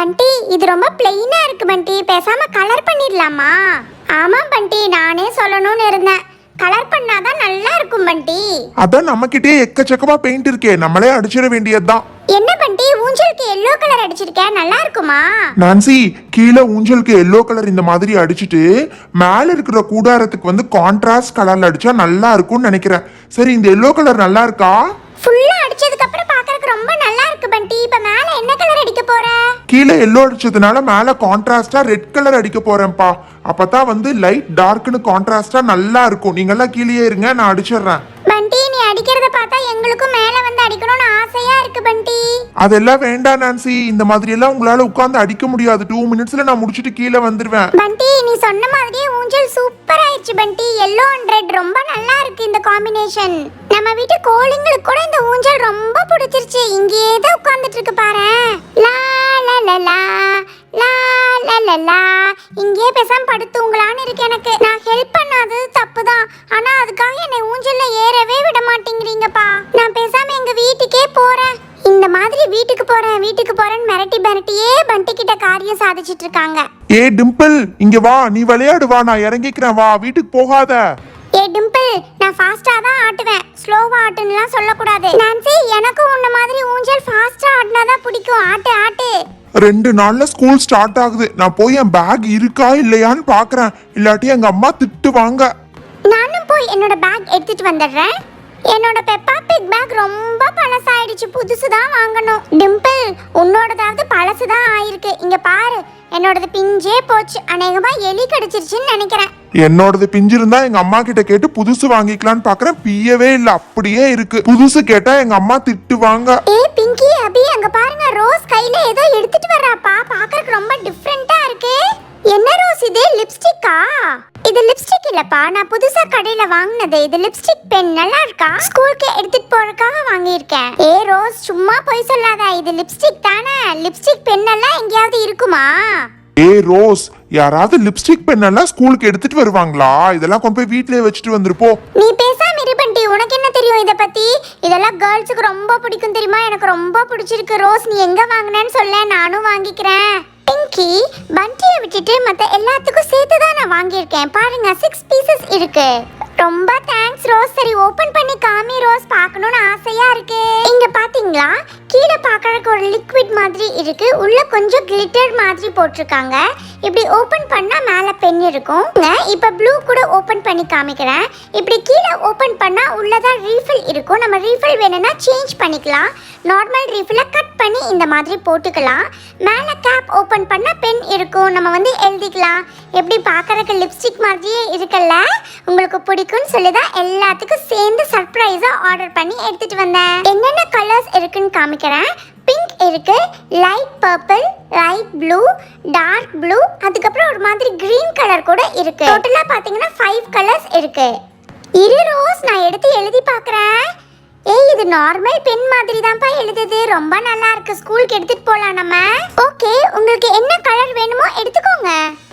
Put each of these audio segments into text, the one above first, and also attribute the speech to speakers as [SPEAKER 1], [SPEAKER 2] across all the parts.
[SPEAKER 1] பண்டி இது ரொம்ப பிளெயினா இருக்கு பண்டி, பேசாம கலர் பண்ணிடலாமா? ஆமா பண்டி, நானே சொல்லணும்னு இருந்தேன். கலர் பண்ணாதான் நல்லா இருக்கும் பண்டி.
[SPEAKER 2] அதான் நம்மகிட்டே எக்கச்சக்கமா பெயிண்ட் இருக்கே, நம்மளே அடிச்சிட வேண்டியதுதான்.
[SPEAKER 1] என்ன பண்டி, ஊஞ்சலுக்கு எல்லோ கலர் அடிச்சிருக்க, நல்லா இருக்குமா?
[SPEAKER 2] நான்சி, கீழே ஊஞ்சலுக்கு எல்லோ கலர் இந்த மாதிரி அடிச்சிட்டு மேல இருக்கிற கூடாரத்துக்கு வந்து கான்ட்ராஸ்ட் கலர்ல அடிச்சா நல்லா இருக்கும்னு நினைக்கிறேன். சரி, இந்த எல்லோ கலர் நல்லா இருக்கா?
[SPEAKER 1] ஃபுல்லா அடிச்சதுக்கு அப்புறம் பார்க்கறதுக்கு ரொம்ப நல்லா இருக்கு பண்டி. இப்ப மேல என்ன கலர் அடிக்க போற?
[SPEAKER 2] கீழே எல்லோ அடிச்சதுனால மேல கான்ட்ராஸ்டா ரெட் கலர் அடிக்க போறேன்ப்பா. அப்பதான் வந்து லைட் டார்க்னு கான்ட்ராஸ்டா நல்லா இருக்கும். நீங்க எல்லாம் கீழே இருங்க, நான் அடிச்சிடுறேன்.
[SPEAKER 1] பண்டி, நீ அடிக்கிறத பார்த்தா எங்களுக்கும் மேல வந்து அடிக்கணும்னு ஆசையா இருக்கு பண்டி.
[SPEAKER 2] அதெல்லாம் வேண்டாம் நான்சி, இந்த மாதிரி எல்லாம் உங்களால உட்கார்ந்து அடிக்க முடியாது. 2 மினிட்ஸ்ல நான் முடிச்சிட்டு கீழே வந்துருவேன்.
[SPEAKER 1] பண்டி, நீ சொன்ன மாதிரியே ஊஞ்சல் சூப்பர் ஆயிடுச்சு பண்டி. எல்லோ அண்ட் ரெட் ரொம்ப நல்லா இருக்கு இந்த காம்பினேஷன். நம்ம வீட்டு கோழிங்களுக்கு கூட இந்த ஊஞ்சல் ரொம்ப பிடிச்சிருச்சு. இங்கேயே தான் உட்கார்ந்துட்டு இருக்கு பாரு. லா லா லா லா லா லா லா லா. இங்கேயே பேசாம படுத்துங்களான்னு இருக்கு எனக்கு. நான் ஹெல்ப் பண்ணாதது தப்பு தான், ஆனா அதுக்காக என்னை ஊஞ்சல்ல ஏறவே விட மாட்டேங்கிறீங்கப்பா. நான் பேசாம எங்க வீட்டுக்கே போறேன். இந்த மாதிரி வீட்டுக்கு போறேன்னு மிரட்டியே பண்டி கிட்ட காரியம் சாதிச்சிட்டு இருக்காங்க.
[SPEAKER 2] ஏ டிம்பிள், இங்க வா, நீ விளையாடு வா, நான் இறங்கிக்கிறேன் வா, வீட்டுக்கு போகாத.
[SPEAKER 1] ஏ டிம்பிள், நான் ஃபாஸ்டா தான் ஆட்டுவேன், ஸ்லோவா ஆட்டுன்னுலாம் சொல்லக்கூடாது. நான்சி, எனக்கு உன்ன மாதிரி ஊஞ்சல் ஃபாஸ்டா ஆடினாதான் பிடிக்கும். ஆட்டு ஆட்டு.
[SPEAKER 2] 2 நாள்ல ஸ்கூல் ஸ்டார்ட் ஆகுது. நான் போய் என் பேக் இருக்கா இல்லையான்னு பாக்குறேன். இல்லாட்டி எங்க அம்மா திட்டுவாங்க.
[SPEAKER 1] நானும் போய் என்னோட பேக் எடுத்துட்டு வந்துடுறேன். என்னோட பெப்பா பிக் பேக் ரொம்ப பழசாயிடுச்சு, புதுசு தான் வாங்கணும். டிம்பிள், உன்னோடதாவது பழசு தான் ஆயிருக்கு. இங்க பாரு, என்னோடது பிஞ்சே போச்சு. அநேகமா எலி கடிச்சிருச்சுன்னு நினைக்கிறேன்.
[SPEAKER 2] என்னோடது பிஞ்சிருந்தா எங்க அம்மா கிட்ட கேட்டு புதுசு வாங்கிக்கலான்னு பாக்குறேன். பியவே இல்ல, அப்படியே இருக்கு. புதுசு கேட்டா எங்க அம்மா திட்டுவாங்க.
[SPEAKER 1] ஏ பிங்கி, அபி, அங்க பாருங்க, ரோஸ் கையில ஏதோ எடுத்துட்டு வர்றாப்பா. பாக்குறதுக்கு ரொம்ப டிஃபரெண்டா இருக்கு. என்ன ரோஸ் இது? லிப்ஸ்டிக்கா? இது லிப்ஸ்டிக் இல்லப்பா, நான் புதுசா கடையில வாங்குனது. இது லிப்ஸ்டிக் பென். நல்லா இருக்கா? ஸ்கூலுக்கு எடுத்துட்டு போறதுக்காக வாங்கியிருக்கேன். ஏ ரோஸ், சும்மா போய் சொல்லாத, இது லிப்ஸ்டிக் தானே. லிப்ஸ்டிக் பென் எல்லாம் எங்கேயாவது இருக்குமா?
[SPEAKER 2] ஏ ரோஸ், யாராவது லிப்ஸ்டிக் பென் எல்லாம் ஸ்கூலுக்கு எடுத்துட்டு வருவாங்களா? இதெல்லாம் கொண்டு போய் வீட்லயே வச்சுட்டு வந்துருப்போ.
[SPEAKER 1] நீ பேசாம இரு பண்டி, உனக்கு என்ன தெரியும் இத பத்தி? இதெல்லாம் கேர்ள்ஸுக்கு ரொம்ப பிடிக்கும் தெரியுமா? எனக்கு ரொம்ப பிடிச்சிருக்கு. ரோஸ், நீ எங்க வாங்குனேன்னு சொல்ல, நானும் வாங்கிக்கிறேன். பிங்கி, பண்டியை விட்டுட்டு மத்த எல்லாத்துக்கும் சேர்த்து தான் நான் வாங்கியிருக்கேன். பாருங்க, 6 பீசஸ் இருக்கு. ரொம்ப தேங்க்ஸ் ரோஸ். சரி, ஓபன் பண்ணி காமி ரோஸ், பார்க்கணும்னு ஆசையா இருக்கு. இங்க பாத்தீங்களா, கீழே பார்க்கறதுக்கு ஒரு லிக்விட் மாதிரி இருக்கு, உள்ள கொஞ்சம் கிளிட்டர் மாதிரி போட்டிருக்காங்க. இப்படி ஓபன் பண்ணா மேல பென் இருக்கும். இப்ப ப்ளூ கூட ஓபன் பண்ணி காமிக்கிறேன். இப்படி கீழே ஓபன் பண்ணா உள்ளதா ரீஃபில் இருக்கும். நம்ம ரீஃபில் வேணும்னா சேஞ்ச் பண்ணிக்கலாம். நார்மல் ரீஃபில கட் பண்ணி இந்த மாதிரி போட்டுக்கலாம். மேல கேப் ஓபன் பண்ணா பென் இருக்கும், நம்ம வந்து எழுதிக்கலாம். எப்படி பார்க்கறதுக்கு லிப்ஸ்டிக் மாதிரியே இருக்குல்ல? உங்களுக்கு பிடிக்கும்னு சொல்லிதான் எல்லாத்துக்கும் சேர்ந்து சர்ப்ரைஸா ஆர்டர் பண்ணி எடுத்துட்டு வந்தேன். என்னென்ன கலர்ஸ் இருக்குன்னு காமிக்கிறேன். பிங்க் இருக்கு, light purple, light blue, dark blue, அதுக்கப்புறம் ஒரு மாதிரி கிரீன் கலர் கூட இருக்கு. டோட்டலா பாத்தீங்கன்னா 5 கலர்ஸ் இருக்கு. இரு ரோஸ், நான் எடுத்து எழுதி பார்க்கறேன். ஏய், இது நார்மல் பென் மாதிரி தான்ப்பா எழுதுது. ரொம்ப நல்லா இருக்கு, ஸ்கூலுக்கு எடுத்துட்டு போலாம் நம்ம. ஓகே, உங்களுக்கு என்ன கலர் வேணுமோ எடுத்துக்கோங்க.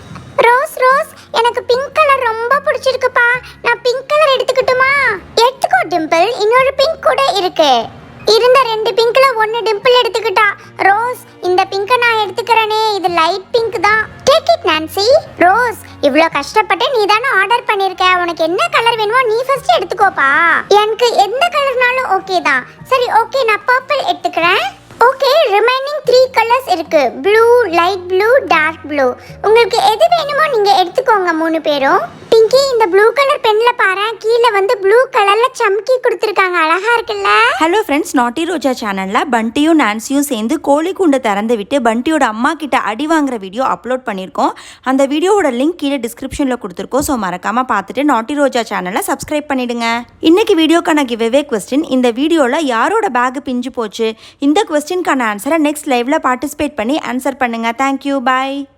[SPEAKER 1] ரோஸ் ரோஸ், எனக்கு பிங்க் கலர் ரொம்ப பிடிச்சிருக்குப்பா. நான் பிங்க் கலர் எடுத்துக்கிட்டுமா? எடுத்துக்கோ டிம்பிள், இன்னொரு பிங்க் கூட இருக்கு. இருந்த 2 பிங்க்ல 1 டிம்பிள் எடுத்துக்கிட்டா. ரோஸ், இந்த பிங்கை நான் எடுத்துக்கிறேனே, இது லைட் பிங்க் தான். Take it Nancy. ரோஸ், இவ்ளோ கஷ்டப்பட்டு நீ தானே ஆர்டர் பண்ணிருக்க, உனக்கு என்ன கலர் வேணுமோ நீ ஃபர்ஸ்ட் எடுத்துக்கோப்பா. எனக்கு எந்த கலர்னாலும் ஓகே தான். சரி ஓகே, நான் பர்பிள் எடுத்துக்கிறேன். ஓகே, ரிமைனிங் 3 கலர்ஸ் இருக்கு, blue, light blue, dark blue. உங்களுக்கு எது வேணுமோ நீங்க எடுத்துக்கோங்க 3 பேரும். பிங்கி, இந்த ப்ளூ கலர் பென்ல பாரு, கீழே வந்து ப்ளூ கலர்ல சம்கி கொடுத்திருக்காங்க, அழகா இருக்குல்ல?
[SPEAKER 3] ஹலோ ஃப்ரெண்ட்ஸ், நாட்டி ரோஜா சேனல்ல பண்டியும் நான்சியும் சேர்ந்து கோழி கூண்டை திறந்து விட்டு பண்டியோட அம்மா கிட்ட அடி வாங்குற வீடியோ அப்லோட் பண்ணியிருக்கோம். அந்த வீடியோவோட லிங்க் கீழே டிஸ்கிரிப்ஷன்ல கொடுத்துருக்கோம். ஸோ மறக்காம பார்த்துட்டு நாட்டி ரோஜா சேனலை சப்ஸ்கிரைப் பண்ணிடுங்க. இன்னைக்கு வீடியோக்கான கிவ்அவே கொஸ்டின், இந்த வீடியோல யாரோட பேக் பிஞ்சு போச்சு? இந்த கொஸ்டின்கான ஆன்சரை நெக்ஸ்ட் லைவ்ல பார்ட்டிசிபேட் பண்ணி ஆன்சர் பண்ணுங்க. தேங்க்யூ, பாய்.